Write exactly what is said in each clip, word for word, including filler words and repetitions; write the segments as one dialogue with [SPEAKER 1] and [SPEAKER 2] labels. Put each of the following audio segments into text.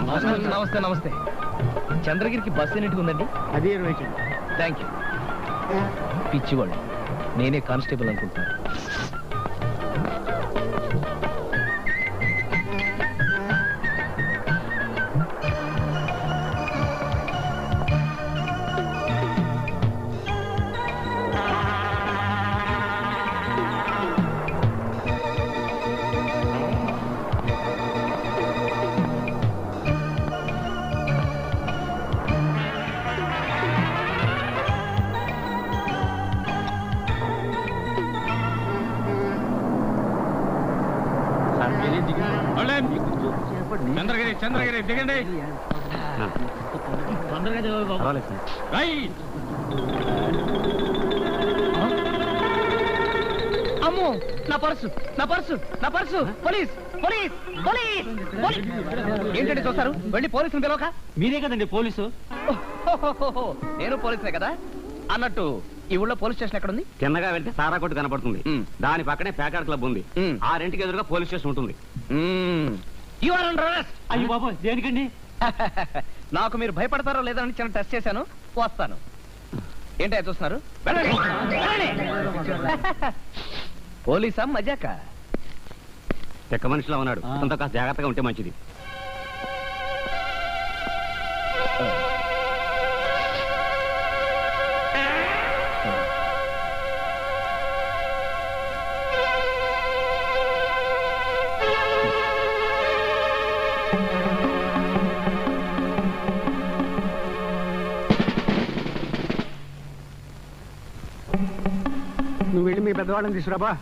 [SPEAKER 1] నమస్తే నమస్తే. చంద్రగిరికి బస్సు ఎన్నిటికి ఉందండి?
[SPEAKER 2] అదే ఇరవై.
[SPEAKER 1] Thank you. పిచ్చివాళ్ళు, నేనే కానిస్టేబుల్ అనుకుంటున్నాను.
[SPEAKER 3] చంద్రగిరి చంద్రగిరి దిగండి.
[SPEAKER 1] అమ్మో, నా పర్సు నా పర్సు నా పర్సు పోలీస్ పోలీస్ పోలీస్ ఏంటంటే చూస్తారు? వెళ్ళి పోలీసులు పిలవక.
[SPEAKER 2] మీరే కదండి పోలీసు.
[SPEAKER 1] నేను పోలీసునే కదా. అన్నట్టు ఈ ఊళ్ళో పోలీస్ స్టేషన్ ఎక్కడ ఉంది?
[SPEAKER 2] చిన్నగా వెళ్తే సారా కొట్టు కనపడుతుంది. దాని పక్కనే ప్యాకాడ్ క్లబ్ ఉంది. ఆ రెంట్కి ఎదురుగా పోలీస్ స్టేషన్ ఉంటుంది. అయ్యో బాబు, దేనికండి?
[SPEAKER 1] నాకు మీరు భయపడతారో లేదని చిన్న టెస్ట్ చేశాను. వస్తాను. ఏంటో చూస్తున్నారు? పోలీసా మజాక?
[SPEAKER 2] చెక్క మనిషిలో ఉన్నాడు. అంత కాస్త జాగ్రత్తగా ఉంటే మంచిది.
[SPEAKER 4] నువ్వు వెళ్ళి మీ పెద్దవాళ్ళని తీసుకురాబా.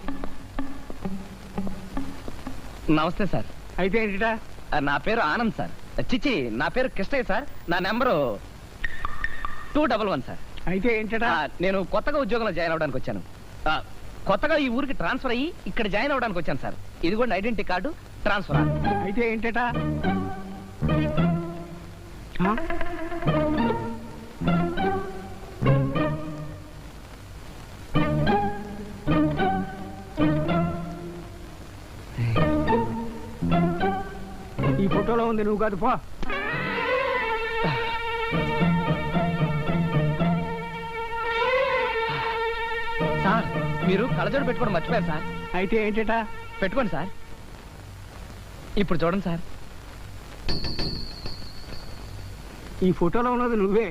[SPEAKER 1] నమస్తే సార్.
[SPEAKER 4] అయితే ఏంటిటా?
[SPEAKER 1] నా పేరు ఆనంద్ సార్. చిచ్చి, నా పేరు కృష్ణయ్య సార్. నా number two double one sir.
[SPEAKER 4] అయితే ఏంటటా?
[SPEAKER 1] నేను కొత్తగా ఉద్యోగంలో జాయిన్ అవడానికి వచ్చాను. కొత్తగా ఈ ఊరికి ట్రాన్స్ఫర్ అయ్యి ఇక్కడ జాయిన్ అవడానికి వచ్చాను సార్. ఇదిగోండి ఐడెంటిటీ కార్డు, ట్రాన్స్ఫర్.
[SPEAKER 4] అయితే ఏంటటా? ఈ ఫోటోలో ఉంది, నువ్వు కాదు పో.
[SPEAKER 1] సార్, మీరు కళ్ళజోడు పెట్టుకోవడం మర్చిపోయారు సార్.
[SPEAKER 4] అయితే ఏంటటా?
[SPEAKER 1] పెట్టుకోండి సార్. ఇప్పుడు చూడండి సార్.
[SPEAKER 4] ఈ ఫోటోలో ఉన్నది నువ్వే.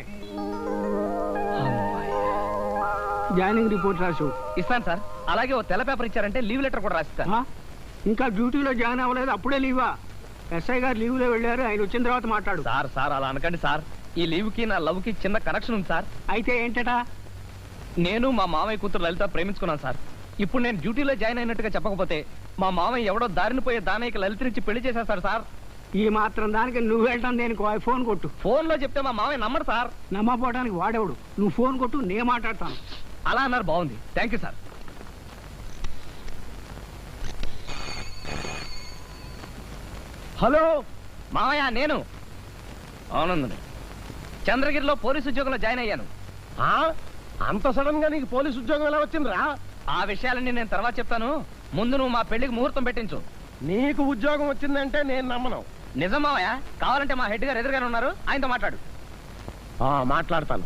[SPEAKER 4] జాయినింగ్ రిపోర్ట్ రాసు.
[SPEAKER 1] ఇస్తాను సార్. అలాగే ఓ తెల్ల పేపర్ ఇచ్చారంటే లీవ్ లెటర్ కూడా రాసిస్తాను.
[SPEAKER 4] ఇంకా డ్యూటీలో జాయిన్ అవ్వలేదు, అప్పుడే లీవా? ఎస్ఐ గారు లీవ్ లో వెళ్ళారు, ఆయన వచ్చిన తర్వాత మాట్లాడు.
[SPEAKER 1] సార్ సార్ అలా అనకండి సార్. ఈ లీవ్ కి నా లవ్ కి చిన్న కనెక్షన్ ఉంది సార్.
[SPEAKER 4] అయితే ఏంటటా?
[SPEAKER 1] నేను మా మామయ్య కూతురు లలిత ప్రేమించుకున్నాను సార్. ఇప్పుడు నేను డ్యూటీలో జాయిన్ అయినట్టుగా చెప్పకపోతే మా మామయ్య ఎవడో దారిని పోయే దానయ్యకి లలితనిచ్చి పెళ్లి చేసేస్తాడు సార్.
[SPEAKER 4] ఈ మాత్రం దానికి నువ్వు వెళ్ళటం దేనికి? ఫోన్ కొట్టు.
[SPEAKER 1] ఫోన్ లో చెప్తే మా మామయ్య నమ్మడు సార్.
[SPEAKER 4] నమ్మపోవడానికి వాడేవాడు. నువ్వు ఫోన్ కొట్టు, నేను మాట్లాడతాను.
[SPEAKER 1] అలా అన్నారు, బాగుంది. Thank you sir. హలో మామయ్య, నేను అవునండి. చంద్రగిరిలో పోలీసు ఉద్యోగంలో జాయిన్ అయ్యాను.
[SPEAKER 3] అంత సడన్ గా నీకు పోలీసు ఉద్యోగం ఎలా వచ్చిందిరా?
[SPEAKER 1] ఆ విషయాలన్నీ నేను తర్వాత చెప్తాను. ముందు నువ్వు మా పెళ్లికి ముహూర్తం పెట్టించు.
[SPEAKER 3] నీకు ఉద్యోగం వచ్చిందంటే నేను నమ్మను.
[SPEAKER 1] నిజం మామయ్య. కావాలంటే మా హెడ్ గారు ఎదురుగానే ఉన్నారు, ఆయనతో మాట్లాడు.
[SPEAKER 3] మాట్లాడతాను.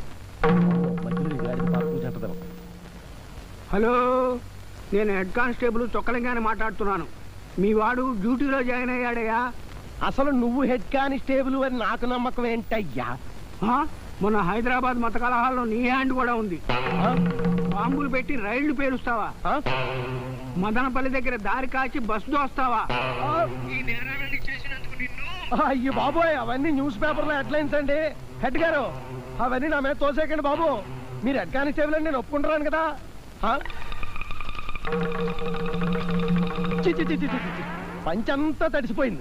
[SPEAKER 4] హలో, నేను హెడ్ కానిస్టేబుల్ చొక్కలింగానే మాట్లాడుతున్నాను. మీ వాడు డ్యూటీలో జాయిన్ అయ్యాడయ్యా.
[SPEAKER 3] అసలు నువ్వు హెడ్ కానిస్టేబుల్ అని నాకు నమ్మకం ఏంటయ్యా?
[SPEAKER 4] మొన్న హైదరాబాద్ మత కలహాల్లో నీ హ్యాండ్ కూడా ఉంది. బాంబులు పెట్టి రైళ్లు పేలుస్తావా? మదనపల్లి దగ్గర దారి కాచి బస్సు దోస్తావా?
[SPEAKER 3] అయ్యో బాబోయ్, అవన్నీ న్యూస్ పేపర్ లో హెడ్లైన్స్ అండి. హెడ్ గారు, అవన్నీ నా మీద తోసేకండి బాబు. మీరు హెడ్ కానిస్టేబుల్ అని నేను ఒప్పుకుంటున్నాను కదా. పంచంతా తడిసిపోయింది.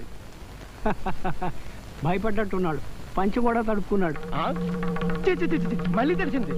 [SPEAKER 4] భయపడ్డట్టున్నాడు. పంచి కూడా తడుపుకున్నాడు.
[SPEAKER 3] మళ్ళీ తడిసింది.